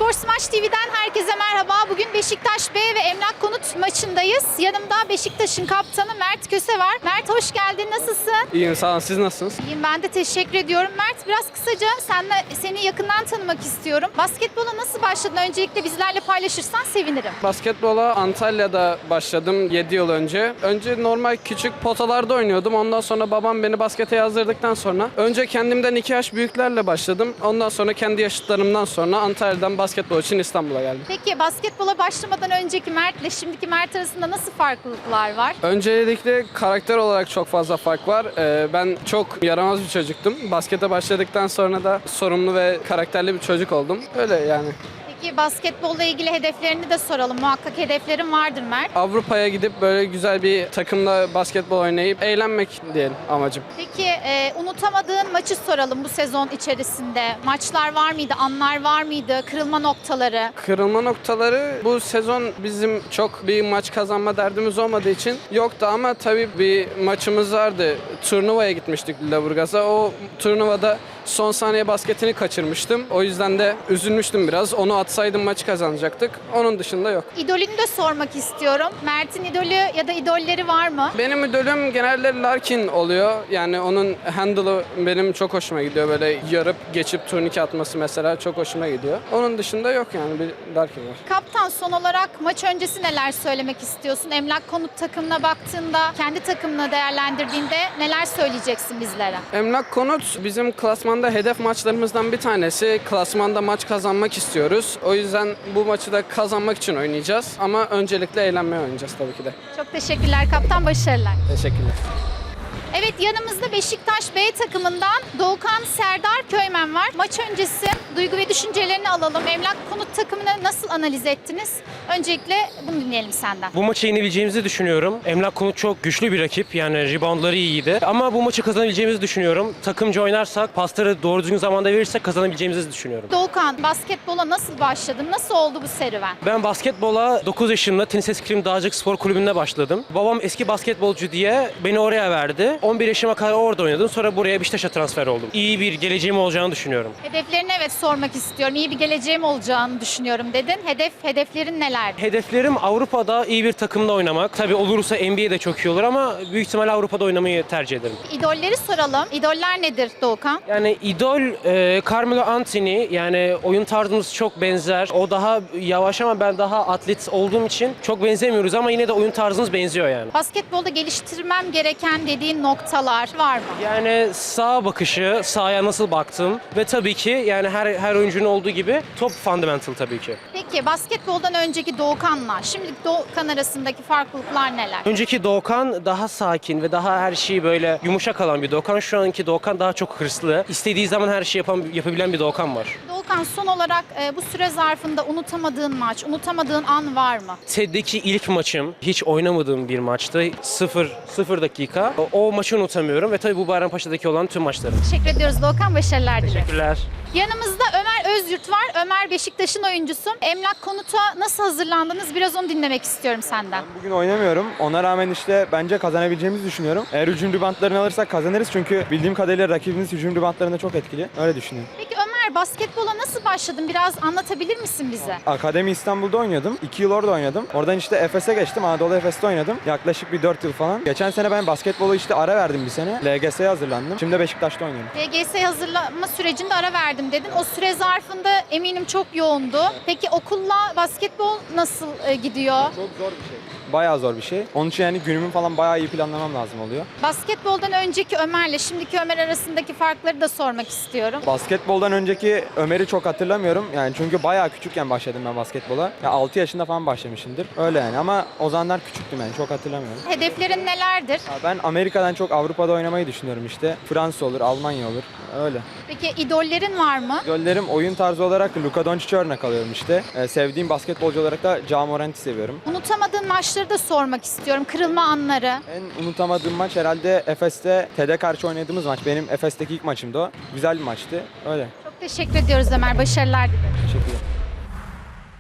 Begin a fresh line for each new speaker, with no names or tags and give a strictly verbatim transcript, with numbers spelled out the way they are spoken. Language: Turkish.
Sports Maç T V'den herkese merhaba. Bugün Beşiktaş B ve Emlak Konut maçındayız. Yanımda Beşiktaş'ın kaptanı Mert Köse var. Mert hoş geldin. Nasılsın?
İyiyim sağ olun. Siz nasılsınız?
İyiyim, ben de teşekkür ediyorum. Mert, biraz kısaca senle, seni yakından tanımak istiyorum. Basketbola nasıl başladın? Öncelikle bizlerle paylaşırsan sevinirim.
Basketbola Antalya'da başladım yedi yıl önce. Önce normal küçük potalarda oynuyordum. Ondan sonra babam beni baskete yazdırdıktan sonra önce kendimden iki yaş büyüklerle başladım. Ondan sonra kendi yaşıtlarımdan sonra Antalya'dan basketbol için İstanbul'a geldim.
Peki basketbola başlamadan önceki Mert'le şimdiki Mert arasında nasıl farklılıklar var?
Öncelikle karakter olarak çok fazla fark var. Ee, ben çok yaramaz bir çocuktum. Baskete başladıktan sonra da sorumlu ve karakterli bir çocuk oldum. Öyle yani.
Peki basketbolla ilgili hedeflerini de soralım. Muhakkak hedeflerin vardır Mert.
Avrupa'ya gidip böyle güzel bir takımla basketbol oynayıp eğlenmek diyelim amacım.
Peki e, unutamadığın maçı soralım bu sezon içerisinde. Maçlar var mıydı, anlar var mıydı, kırılma noktaları?
Kırılma noktaları bu sezon bizim çok bir maç kazanma derdimiz olmadığı için yoktu ama tabii bir maçımız vardı. Turnuvaya gitmiştik Lüleburgaz'a. O turnuvada son saniye basketini kaçırmıştım. O yüzden de üzülmüştüm biraz. Onu atsaydım maçı kazanacaktık. Onun dışında yok.
İdolünü de sormak istiyorum. Mert'in idolü ya da idolleri var mı?
Benim idolüm genelde Larkin oluyor. Yani onun handle'ı benim çok hoşuma gidiyor. Böyle yarıp geçip turnike atması mesela çok hoşuma gidiyor. Onun dışında yok yani bir Larkin var.
Kaptan, son olarak maç öncesi neler söylemek istiyorsun? Emlak Konut takımına baktığında, kendi takımını değerlendirdiğinde neler söyleyeceksin bizlere?
Emlak Konut bizim klasmanda hedef maçlarımızdan bir tanesi. Klasmanda maç kazanmak istiyoruz. O yüzden bu maçı da kazanmak için oynayacağız. Ama öncelikle eğlenmeye oynayacağız tabii ki de.
Çok teşekkürler kaptan, başarılar.
Teşekkürler.
Evet, yanımızda Beşiktaş B takımından Doğukan Serdar Köymen var. Maç öncesi duygu ve düşüncelerini alalım. Emlak Konut takımını nasıl analiz ettiniz? Öncelikle bunu dinleyelim senden.
Bu maçı yenebileceğimizi düşünüyorum. Emlak Konut çok güçlü bir rakip. Yani reboundları iyiydi. Ama bu maçı kazanabileceğimizi düşünüyorum. Takımca oynarsak, pasları doğru düzgün zamanda verirsek kazanabileceğimizi düşünüyorum.
Doğukan, basketbola nasıl başladın? Nasıl oldu bu serüven?
Ben basketbola dokuz yaşında Tenis Eskrim Dağcık Spor Kulübü'nde başladım. Babam eski basketbolcu diye beni oraya verdi. on bir yaşıma kadar orada oynadım. Sonra buraya Beşiktaş'a transfer oldum. İyi bir geleceğim olacağını düşünüyorum.
Hedeflerini evet sormak istiyorum. İyi bir geleceğim olacağını düşünüyorum dedin. Hedef, hedeflerin neler?
Hedeflerim Avrupa'da iyi bir takımda oynamak. Tabii olursa N B A'de çok iyi olur ama büyük ihtimalle Avrupa'da oynamayı tercih ederim.
İdolleri soralım. İdoller nedir Doğukan?
Yani idol e, Carmelo Anthony, yani oyun tarzımız çok benzer. O daha yavaş ama ben daha atlet olduğum için çok benzemiyoruz ama yine de oyun tarzımız benziyor yani.
Basketbolda geliştirmem gereken dediğin noktalar var mı?
Yani sağ bakışı, sahaya nasıl baktım ve tabii ki yani her her oyuncunun olduğu gibi top fundamental tabii ki.
Peki basketboldan önceki Doğukan'la şimdiki Doğukan arasındaki farklılıklar neler?
Önceki Doğukan daha sakin ve daha her şeyi böyle yumuşak alan bir Doğukan. Şu anki Doğukan daha çok hırslı. İstediği zaman her şeyi yapan, yapabilen bir Doğukan var.
Doğukan, son olarak e, bu süre zarfında unutamadığın maç, unutamadığın an var mı?
T E D'deki ilk maçım, hiç oynamadığım bir maçtı. Sıfır, sıfır dakika. O, o maçı unutamıyorum ve tabii bu Bayrampaşa'daki olan tüm maçlarım.
Teşekkür ediyoruz Doğukan, başarılar dileriz.
Teşekkürler.
Yanımızda Ömer Özyurt var. Ömer Beşiktaş'ın oyuncusu. Emlak Konut'a nasıl hazırlandınız? Biraz onu dinlemek istiyorum senden.
Bugün oynamıyorum. Ona rağmen işte bence kazanabileceğimizi düşünüyorum. Eğer hücum ribantlarını alırsak kazanırız çünkü bildiğim kadarıyla rakibimiz hücum ribantlarında çok etkili. Öyle düşünüyorum.
Peki Ömer, basketbola nasıl başladın? Biraz anlatabilir misin bize?
Akademi İstanbul'da oynuyordum. iki yıl orada oynadım. Oradan işte Efes'e geçtim. Anadolu Efes'te oynadım. Yaklaşık bir dört yıl falan. Geçen sene ben basketbolu işte ara verdim bir sene. L G S'ye hazırlandım. Şimdi Beşiktaş'ta oynuyorum.
L G S hazırlama sürecinde ara verdim dedin. O süre zarfında eminim çok yoğundu. Peki okulla basketbol nasıl e, gidiyor?
Çok zor bir şey. Bayağı zor bir şey. Onun için yani günümü falan bayağı iyi planlamam lazım oluyor.
Basketboldan önceki Ömer'le şimdiki Ömer arasındaki farkları da sormak istiyorum.
Basketboldan önceki Ömer'i çok hatırlamıyorum. Yani çünkü bayağı küçükken başladım ben basketbola. Ya altı yaşında falan başlamışımdır. Öyle yani ama o zamanlar küçüktüm yani çok hatırlamıyorum.
Hedeflerin nelerdir?
Ya ben Amerika'dan çok Avrupa'da oynamayı düşünüyorum işte. Fransa olur, Almanya olur. Öyle.
Peki idollerin var mı?
Göllerim oyun tarzı olarak Luka Doncic'e örnek alıyorum işte. Ee, sevdiğim basketbolcu olarak da Ja Morant'i seviyorum.
Unutamadığın maçları da sormak istiyorum. Kırılma anları.
En unutamadığım maç herhalde Efes'te T E D'e karşı oynadığımız maç. Benim Efes'teki ilk maçımdı o. Güzel bir maçtı. Öyle.
Çok teşekkür ediyoruz Ömer. Başarılar dilerim.
Teşekkürler.